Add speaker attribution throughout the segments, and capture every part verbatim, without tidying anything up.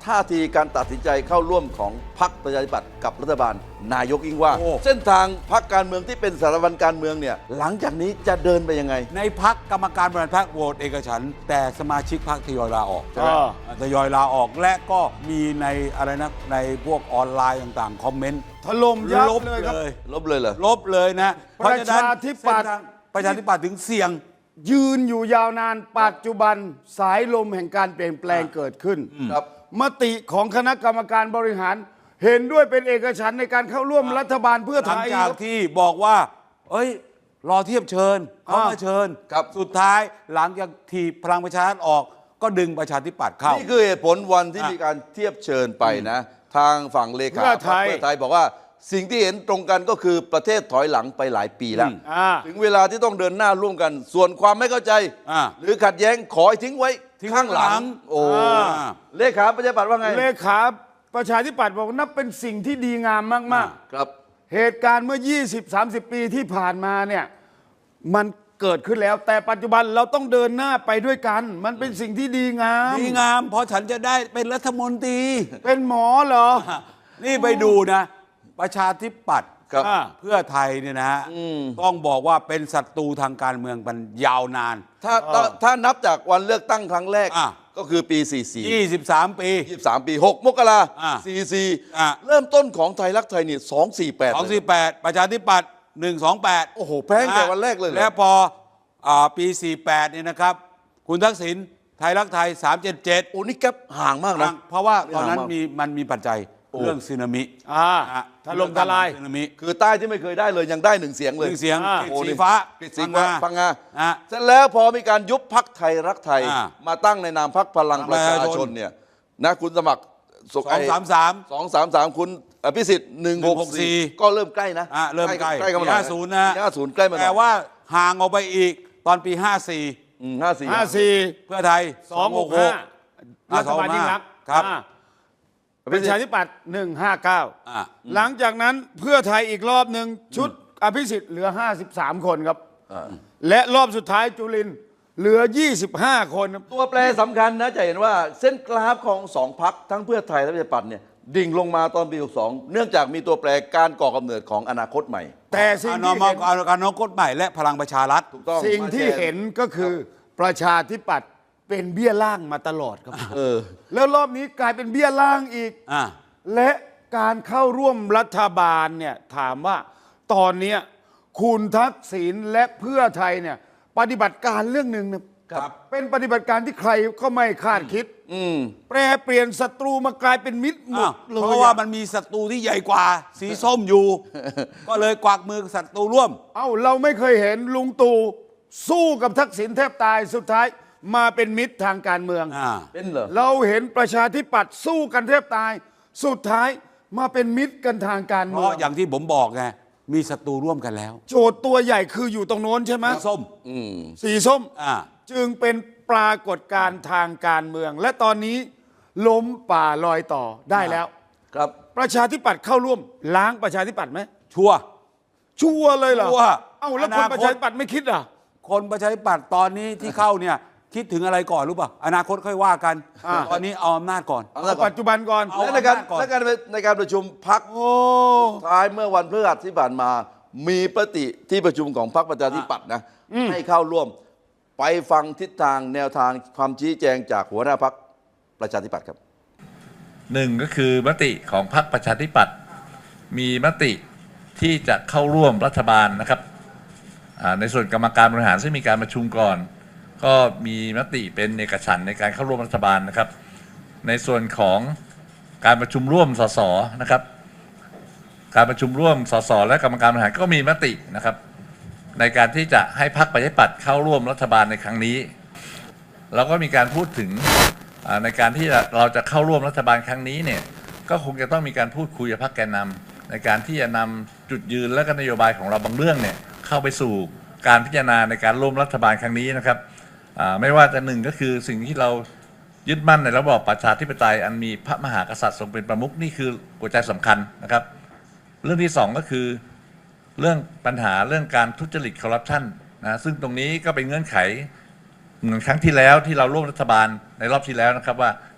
Speaker 1: ท่าทีการตัดสินใจเข้าร่วมของพรรคประชาธิปัตย์กับรัฐบาลนายกยิ่งว่า เส้นทางพรรคการเมืองที่เป็นสารวัตรการเมืองเนี่ยหลังจากนี้จะเดินไปยังไง
Speaker 2: ในพรรคกรรมการบริหารพรรคโหวตเอกฉันท์แต่สมาชิกพรรคทยอยลาออก
Speaker 3: อ่า
Speaker 2: ทยอยลาออกและก็มีในอะไรนะในพวกออนไลน์ต่างๆคอมเมนต์
Speaker 3: ถล่มยับ
Speaker 2: ลบ
Speaker 3: เลยครับ
Speaker 2: เลย
Speaker 1: ลบเลยเหรอ
Speaker 2: ลบเลยนะเพราะฉะนั้น
Speaker 3: ประชาธิปัตย์
Speaker 2: เส้นทางประชาธิปัตย์ถึงเสี่ยง
Speaker 3: ยืนอยู่ยาวนานปัจจุบันสายลมแห่งการเปลี่ยนแปลงเกิดขึ้น
Speaker 1: ครับ
Speaker 3: มติของคณะกรรมการบริหาร เห็นด้วยเป็นเอกฉันท์ในการเข้าร่วมรัฐบาลเพื่อ
Speaker 2: ห
Speaker 3: ไท
Speaker 2: ลัง
Speaker 3: ย
Speaker 2: จากที่บอกว่า เอ้ย รอเทียบเชิญเขามาเชิญ
Speaker 1: ครับ
Speaker 2: สุดท้ายหลังจากที่พลังประชารัฐออก ก็ดึงประชาธิปัตย์เข้า
Speaker 1: นี่คือเหตุผลวันที่
Speaker 2: อ่ะ
Speaker 1: มีการเทียบเชิญไปนะ ทางฝั่งเลขา
Speaker 3: เพื่อไทย
Speaker 1: พรรคเพื่อไทยบอกว่าสิ่งที่เห็นตรงกันก็คือประเทศถอยหลังไปหลายปีแล้ว
Speaker 3: อ่า
Speaker 1: ถึงเวลาที่ต้องเดินหน้าร่วมกัน ส่วนความไม่เข้าใจ
Speaker 2: อ่า
Speaker 1: หรือขัดแย้งขอให้ทิ้งไว้
Speaker 2: ทิ้ง
Speaker 1: ข้างหลั
Speaker 2: ข้างหลั
Speaker 1: ง
Speaker 2: ง
Speaker 1: โอ้
Speaker 3: อ่า
Speaker 1: เลขาประชาธิปัตย์ว่าไง
Speaker 3: เลขาประชาธิปัตย์บอกนับเป็นสิ่งที่ดีงามมาก
Speaker 1: ครับ
Speaker 3: ๆ เหตุการณ์เมื่อ ยี่สิบ สามสิบ ปีที่ผ่านมาเนี่ยมันเกิดขึ้นแล้ว แต่ปัจจุบันเราต้องเดินหน้าไปด้วยกัน มันเป็นสิ่งที่ดีงาม
Speaker 2: ดีงามเพราะฉันจะได้เป็นรัฐมนตรี
Speaker 3: เป็นหมอเหรอ
Speaker 2: นี่ไปดูนะ ประชาธิปัตย์
Speaker 1: ครับ
Speaker 3: อ่า
Speaker 2: เพื่อไทยเนี่ยนะฮะต้องบอกว่าเป็นศัตรูทางการเมืองมันยาวนาน
Speaker 1: ถ้าถ้าถ้านับจากวันเลือกตั้งครั้งแรก
Speaker 2: อ่ะ
Speaker 1: ก็คือปี สี่สิบสี่
Speaker 2: ยี่สิบสาม ปี
Speaker 1: ยี่สิบสาม ปี หก มกรา
Speaker 2: อ่ะ
Speaker 1: สี่สิบสี่
Speaker 2: อ่ะ
Speaker 1: เริ่มต้นของไทยรักไทยนี่สองสี่แปด
Speaker 2: สองสี่แปดประชาธิปัตย์หนึ่งสองแปด
Speaker 1: โอ้โหแพ้ตั้งแต่วันแรกเลยเหรอ
Speaker 2: แล้วพออ่าปีสี่แปดเนี่ยนะครับ คุณทักษิณไทยรักไทยสามเจ็ดเจ็ด
Speaker 1: โอ้นี่แก๊ปห่างมากนะ
Speaker 2: เพราะว่าตอนนั้น
Speaker 1: ห่างมาก
Speaker 2: มีมันมีปัจจัย
Speaker 1: โอ้
Speaker 2: เรื่องสึนามิ
Speaker 3: อ่า
Speaker 2: อ่ะ
Speaker 3: ถล่มทลาย
Speaker 2: สึนามิ
Speaker 1: คือใต้ที่ไม่เคยได้เลยยังได้หนึ่งเสียง
Speaker 2: ห
Speaker 1: เลย
Speaker 2: นึ่งเสียง
Speaker 3: อ่า
Speaker 2: กฤษ
Speaker 1: โอ้
Speaker 2: สี
Speaker 1: นี่
Speaker 2: ฟ้าก
Speaker 1: ฤษสีฟ้าพังงา
Speaker 2: อ่ะ
Speaker 1: เสร็จแล้วพอมีการยุบพักไทยรักไทย
Speaker 2: อ่า
Speaker 1: มาตั้งในนามพักพลังประชา
Speaker 2: ประชา
Speaker 1: ช
Speaker 2: ช
Speaker 1: น
Speaker 2: น
Speaker 1: เนี่ยนะคุณสมัคร
Speaker 2: สองสามสาม
Speaker 1: สองสามสามคุณอภิสิทธิ์หนึ่งหกสี่ก็เริ่มใกล้นะ
Speaker 2: อ่ะเริ่มใกล้
Speaker 1: ใกล้กันมาหน่อย
Speaker 2: ห้าศูนย์นะ
Speaker 1: ห้าศูนย์ใกล้มาหน่อย
Speaker 2: แต่ว่าห่างออกไปอีกตอนปีห้าสี่
Speaker 1: ห้าสี่
Speaker 3: ห้าสี่
Speaker 2: เพื่อไทย
Speaker 3: สองหกห้า
Speaker 2: อ่ะ
Speaker 3: รัฐบาลยิ่งรักษณ์
Speaker 2: ครับ
Speaker 3: อ่าประชาธิปัตย์หนึ่งห้าเก้า
Speaker 2: อ่ะ
Speaker 3: หลังจากนั้นเพื่อไทยอีกรอบหนึ่งชุดอภิสิทธิ์เหลือ ห้าสิบสาม คนครับ และรอบสุดท้ายจุลินทร์เหลือ ยี่สิบห้า คนครับ
Speaker 1: ตัวแปรสำคัญนะจะเห็นว่าเส้นกราฟของสองพักทั้งเพื่อไทยและประชาธิปัตย์เนี่ยดิ่งลงมาตอนปีหกสองเนื่องจากมีตัวแปรการก่อกำเนิดของอนาคตใหม่
Speaker 3: แต่สิ่ง
Speaker 2: อน
Speaker 3: ที่
Speaker 2: ม
Speaker 3: เห็น
Speaker 2: การการนกฎใหม่และพลังประชารัฐ
Speaker 1: ถูกต้อง
Speaker 3: สิ่งที่เห็นก็คือประชาธิปัตย์เป็นเบี้ยล่างมาตลอดครับ
Speaker 1: เออ
Speaker 3: แล้วรอบนี้กลายเป็นเบี้ยล่างอีก
Speaker 2: อ่ะ
Speaker 3: และการเข้าร่วมรัฐบาลเนี่ยถามว่าตอนเนี้ยคุณทักษิณและเพื่อไทยเนี่ยปฏิบัติการเรื่องหนึ่งนะครับ เป็นปฏิบัติการที่ใครก็ไม่คาดคิด
Speaker 1: อืม
Speaker 3: แปรเปลี่ยนศัตรูมากลายเป็นมิตรหม
Speaker 2: อ้า
Speaker 3: ด
Speaker 2: ว
Speaker 3: เลย
Speaker 2: เพราะว่า
Speaker 3: อะ
Speaker 2: มันมีศัตรูที่ใหญ่กว่า สีส้มอยู่ ก็เลยกวักมือศัตรูร่วม
Speaker 3: เอ้าเราไม่เคยเห็นลุงตู่สู้กับทักษิณแทบตายสุดท้ายมาเป็นมิตรทางการเมือง
Speaker 2: อ่า
Speaker 1: เป็นเหรอ
Speaker 3: เราเห็นประชาธิปัตย์สู้กันแทบตาย สุดท้ายมาเป็นมิตรกันทางการ
Speaker 2: เพ
Speaker 3: เมือง
Speaker 2: ราะอย่างที่ผมบอกไง มีศัตรูร่วมกันแล้ว
Speaker 3: โจทย์ตัวใหญ่คืออยู่ตรงโน้นใช่ไหม
Speaker 2: สีส้ม
Speaker 1: อืม
Speaker 3: สีส้ม
Speaker 2: อ่า
Speaker 3: จึงเป็นปรากฏการณ์ทางการเมือง และตอนนี้ล้มป่าลอยต่อได้แล้ว
Speaker 1: ครับ
Speaker 3: ประชาธิปัตย์เข้าร่วมล้างประชาธิปัตย์ไหม
Speaker 2: ชัวร์
Speaker 3: ชัวร์เลยเหรอ
Speaker 2: ชัวร์
Speaker 3: เอ้าแล้วคน
Speaker 2: อนาคต
Speaker 3: ประชาธิปัตย์ไม่คิดอ่ะ
Speaker 2: คนประชาธิปัตย์ตอนนี้ที่เข้าเนี่ย คิดถึงอะไรก่อนรู้ป่ะ อนาคตค่อยว่ากัน
Speaker 3: อ่า
Speaker 2: ตอนนี้เอาอำนาจก่อน
Speaker 1: เอา
Speaker 3: เอา
Speaker 1: ละก่อน
Speaker 3: ปัจจุบันก่อน
Speaker 2: เอา
Speaker 1: และในการ
Speaker 2: อำนาจก่อน
Speaker 1: และการในการประชุมพัก
Speaker 3: โอ้
Speaker 1: ท้ายเมื่อวันพฤหัสที่ผ่านมา มีปฏิที่ประชุมของพรรคประชาธิปัตย์นะให้เข้าร่วม ไปฟังทิศทางแนวทางความชี้แจงจากหัวหน้าพรรคประชาธิปัตย์ครับ
Speaker 4: หนึ่งก็คือมติของพรรคประชาธิปัตย์มีมติที่จะเข้าร่วมรัฐบาลนะครับอ่าในส่วนกรรมการบริหารซึ่งมีการประชุมก่อน ก็มีมติเป็นเอกฉันท์ในการเข้าร่วมรัฐบาลนะครับ ในส่วนของการประชุมร่วมสสนะครับ การประชุมร่วมสสและกรรมการบริหารก็มีมตินะครับ ในการที่จะให้พรรคประชาธิปัตย์เข้าร่วมรัฐบาลในครั้งนี้เราก็มีการพูดถึงอ่าในการที่เราจะเข้าร่วมรัฐบาลครั้งนี้เนี่ยก็คงจะต้องมีการพูดคุยกับพรรคแกนนำในการที่จะนำจุดยืนและก็นโยบายของเราบางเรื่องเนี่ยเข้าไปสู่การพิจารณาในการร่วมรัฐบาลครั้งนี้นะครับอ่าไม่ว่าจะหนึ่งก็คือสิ่งที่เรายึดมั่นในระบอบประชาธิปไตยอันมีพระมหากษัตริย์ทรงเป็นประมุขนี่คือหัวใจสำคัญนะครับ เรื่องที่สองก็คือเรื่องปัญหาเรื่องการทุจริตคอร์รัปชันนะซึ่งตรงนี้ก็เป็นเงื่อนไขเหมือนครั้งที่แล้วที่เราร่วมรัฐบาลในรอบที่แล้วนะครับว่า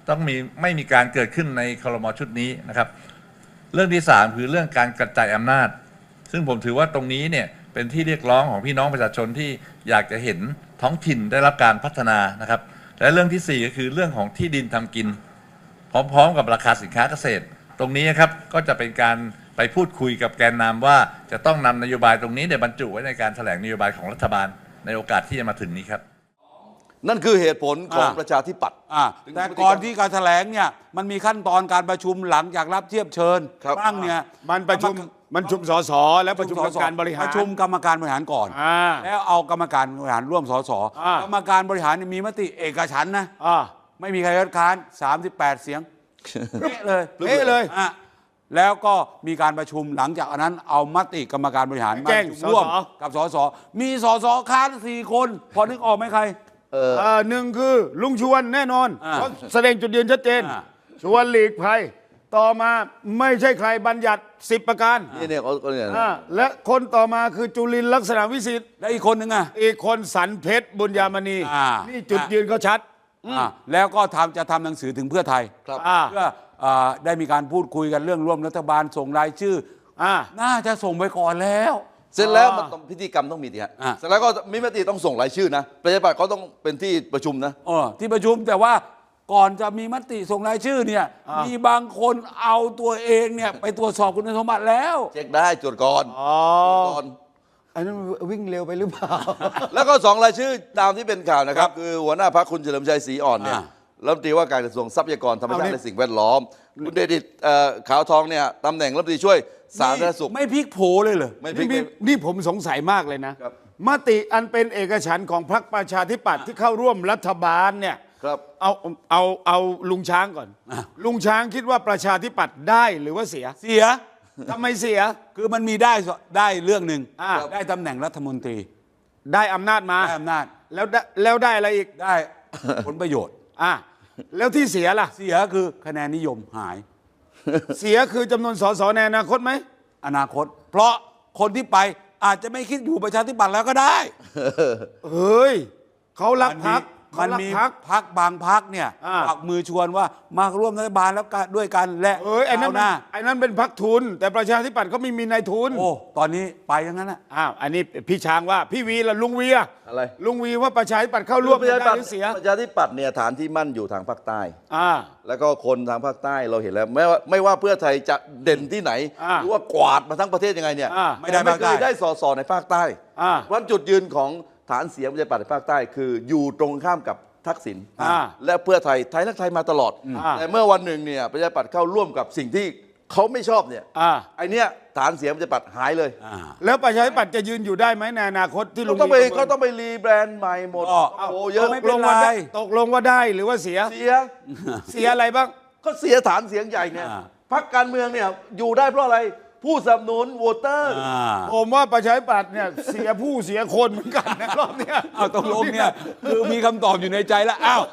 Speaker 4: ต้องมีไม่มีการเกิดขึ้นในครม.ชุดนี้นะครับ เรื่องที่สามคือเรื่องการกระจายอำนาจ ซึ่งผมถือว่าตรงนี้เนี่ยเป็นที่เรียกร้องของพี่น้องประชาชนที่อยากจะเห็นท้องถิ่นได้รับการพัฒนานะครับและเรื่องที่สี่ก็คือเรื่องของที่ดินทำกิน พร้อมๆกับราคาสินค้าเกษตร ตรงนี้ครับก็จะเป็นการไปพูดคุยกับแกนนำว่าจะต้องนำนโยบายตรงนี้เนี่ยบรรจุไว้ในการแถลงนโยบายของรัฐบาลในโอกาสที่จะมาถึงนี้ครับ
Speaker 1: นั่นคือเหตุผลของ
Speaker 2: อ่า
Speaker 1: ประชาธิปัตย์
Speaker 2: อ่าแต่ก่อนที่การแถลงเนี่ยมันมีขั้นตอนการประชุมหลังจากรับเทียบเชิญ
Speaker 1: ครับ
Speaker 2: บ้างเนี่ย
Speaker 3: มันประชุมมันประชุมสสและประชุมกรรมการบริหาร
Speaker 2: ประชุมกรรมการบริหารก่อน
Speaker 3: อ่า
Speaker 2: แล้วเอากรรมการบริหารร่วมสส
Speaker 3: อ่าก
Speaker 2: รรมการบริหารเนี่ยมีมติเอกฉันท์นะ
Speaker 3: อ่า
Speaker 2: ไม่มีใครคัดค้านสามสิบแปดเสียงเป๊ะเลย
Speaker 3: เอ๊ะเลย
Speaker 2: อ่ะแล้วก็มีการประชุมหลังจากนั้นเอามติกรรมการบริหารมา
Speaker 3: แจ้ง
Speaker 2: ประชุมร่วม
Speaker 3: สส
Speaker 2: กับสสมีสสค้านสี่คน พอนึกออกไหมใคร
Speaker 1: เออ
Speaker 3: เอ่อหนึ่งคือลุงชวนแน่นอน
Speaker 2: อ่า
Speaker 3: เพราะแสดงจุดยืนชัดเจน
Speaker 2: อ่า
Speaker 3: ชวนหลีกภัยต่อมาไม่ใช่ใครบัญญัติสิบประการ
Speaker 1: นี่เนี่ยเขาเขาเนี่ย
Speaker 3: อ่าและคนต่อมาคือจุลินทร์ลักษณะวิสิทธิ์
Speaker 2: แล้วอีกคนหนึ่งอ่ะ
Speaker 3: อีกคนสันเพชรบุญญามณี
Speaker 2: อ่านี่
Speaker 3: นี่จุดยืนเขาชัด
Speaker 2: อ่ะแล้วก็ทำจะทำหนังสือถึงเพื่อไทย
Speaker 1: ครับ
Speaker 3: อ่า
Speaker 2: เพื่ออ่าได้มีการพูดคุยกันเรื่องร่วมรัฐบาลส่งรายชื่อ
Speaker 3: อ่า
Speaker 2: น่าจะส่งไปก่อนแล้ว
Speaker 1: เสร็จแล้ว
Speaker 3: อ่ามั
Speaker 1: มันต้องพิธีกรรมต้องมีดิฮะ
Speaker 2: อ่า
Speaker 1: เสร็จแล้วก็มีมติต้องส่งรายชื่อนะประชาธิปัตย์เขาต้องเป็นที่ประชุมนะ
Speaker 2: เออที่ประชุมแต่ว่าก่อนจะมีมติส่งรายชื่อเนี่ย
Speaker 3: อ่ามี
Speaker 2: มีบางคนเอาตัวเองเนี่ยไปตรวจสอบคุณสมบัติแล้ว
Speaker 1: เช็คได้ตรวจก่อน
Speaker 3: อ๋อ
Speaker 1: ตรวจก่อน
Speaker 3: อันนั้นวิ่งเร็วไปหรือเปล่า
Speaker 1: แล้วก็สองรายชื่อตามที่เป็นข่าวนะครับ คือหัวหน้าพรรคคุณเฉลิมชัยศรีอ่อนเนี่ย
Speaker 2: อ่า
Speaker 1: รัฐมนตรีว่าการกระทรวงทรัพยากรธรรมชา
Speaker 3: เอา
Speaker 1: ติ
Speaker 3: ดิ
Speaker 1: และสิ่งแวดล้อม คุณเดดิตเอ่อขาวทองเนี่ยตำแหน่งรัฐมนตรีช่วยสาธารณสุข
Speaker 2: ไม่พลิกโผเลยเหรอ
Speaker 1: ไม่พลิ
Speaker 3: นี่
Speaker 1: ก
Speaker 3: นี่นี่ผมสงสัยมากเลยนะครับ มติอันเป็นเอกฉันท์ของพรรคประชาธิปัตย์ที่เข้าร่วมรัฐบาลเนี่ย
Speaker 1: ครับ
Speaker 3: เอาเอาเอาลุงช้างก่อน
Speaker 2: อ่ะ
Speaker 3: ลุงช้างคิดว่าประชาธิปัตย์ได้หรือว่าเสีย
Speaker 2: เสีย
Speaker 3: ทำไมเสีย
Speaker 2: คือมันมีได้ได้เรื่องหนึ่ง
Speaker 3: อ่า
Speaker 2: ได้ตำแหน่งรัฐมนตรี
Speaker 3: ได้อำนาจมา
Speaker 2: ได้อำนาจ
Speaker 3: แล้วได้แล้วได้อะไรอีก
Speaker 2: ได้ ผลประโยชน์
Speaker 3: อ่ะแล้วที่เสียล่ะ
Speaker 2: เสียคือคะแนนนิยมหาย
Speaker 3: เสียคือจำนวนสสในอนาคตไหม
Speaker 2: อนาคต เพราะคนที่ไปอาจจะไม่คิดอยู่ประชาธิปัตย์แล้วก็ได้
Speaker 3: เฮ้ยเขารักพัก
Speaker 2: มั
Speaker 3: เขา
Speaker 2: น
Speaker 3: รัก
Speaker 2: มี
Speaker 3: พัก
Speaker 2: พักบางพักเนี่ย
Speaker 3: อ่า
Speaker 2: ปักมือชวนว่ามาร่วมรัฐบาลแล้วกันด้วยกันและ
Speaker 3: เอ้ยไอ้นั้น
Speaker 2: ก้าวหน้า
Speaker 3: ไอ้นั้นเป็นพักทุน แต่ประชาธิปัตย์เขาไม่มีนายทุน
Speaker 2: โอ้ตอนนี้ไปอย่างนั้นนะ
Speaker 3: อ้าวอันนี้พี่ช้างว่าพี่วีละลุงวีอะ
Speaker 1: อะไร
Speaker 3: ลุงวีว่าประชาธิปัตย์เข้าร่วม
Speaker 1: ประชาธิ
Speaker 3: ได้
Speaker 1: ปัต
Speaker 3: ห
Speaker 1: ย์
Speaker 3: รือเสีย
Speaker 1: ประชาธิปัตย์เนี่ยฐานที่มั่นอยู่ทางภาคใต้
Speaker 3: อ่า
Speaker 1: แล้วก็คนทางภาคใต้เราเห็นแล้วไม่ว่าไม่ว่าเพื่อไทยจะเด่นที่ไหน
Speaker 3: อ่า
Speaker 1: หรือว่ากวาดมาทั้งประเทศยังไงเนี่ย
Speaker 3: อ่า
Speaker 2: ไม่ได้
Speaker 1: ไม่
Speaker 2: ภาค
Speaker 1: เค
Speaker 2: ใต้
Speaker 1: ยได้สอสอในภาคใต้
Speaker 3: อ่า
Speaker 1: วันจุดยืนของฐานเสียงประชาธิปัตย์ในภาคใต้ คืออยู่ตรงข้ามกับทักษิณ
Speaker 3: อ่า
Speaker 1: และเพื่อไทยไทยรักไทยมาตลอด
Speaker 3: อ่า
Speaker 1: แต่เมื่อวันหนึ่งเนี่ยประชาธิปัตย์เข้าร่วมกับสิ่งที่เขาไม่ชอบเนี่ย
Speaker 3: อ่า
Speaker 1: ไอเนี้ยฐานเสียงประชาธิปัตย์หายเลย
Speaker 2: อ่า
Speaker 3: แล้วประชาธิปัตย์จะยืนอยู่ได้ไหมในอนาคตที่ลุ
Speaker 1: เขา
Speaker 3: ง
Speaker 1: ต้องไป
Speaker 3: วีประมิน
Speaker 1: เขาต้องไปรีแบรนด์ใหม่หมด
Speaker 2: ก็
Speaker 1: โอ้โหเยอะ
Speaker 2: ไม่
Speaker 3: ต
Speaker 2: เป็
Speaker 3: ก
Speaker 2: น
Speaker 3: ลงว่า
Speaker 2: ไร
Speaker 3: ได้ตกลงว่าได้หรือว่าเสีย
Speaker 1: เสีย
Speaker 3: เสียอะไรบ้าง
Speaker 1: ก็เสียฐานเสียงใหญ่เนี่ย
Speaker 2: อ่า
Speaker 1: พรรคการเมืองเนี่ยอยู่ได้เพราะอะไร ผู้สนับสนุนโหวตเตอร์
Speaker 2: อ่า
Speaker 3: ผมว่าประชาธิปัตย์เนี่ยเสียผู้เสียคนเหมือนกันนะรอบเนี้ย
Speaker 2: เอาตกลงเนี่ยคือมีคำตอบอยู่ในใจแล้วอ้าว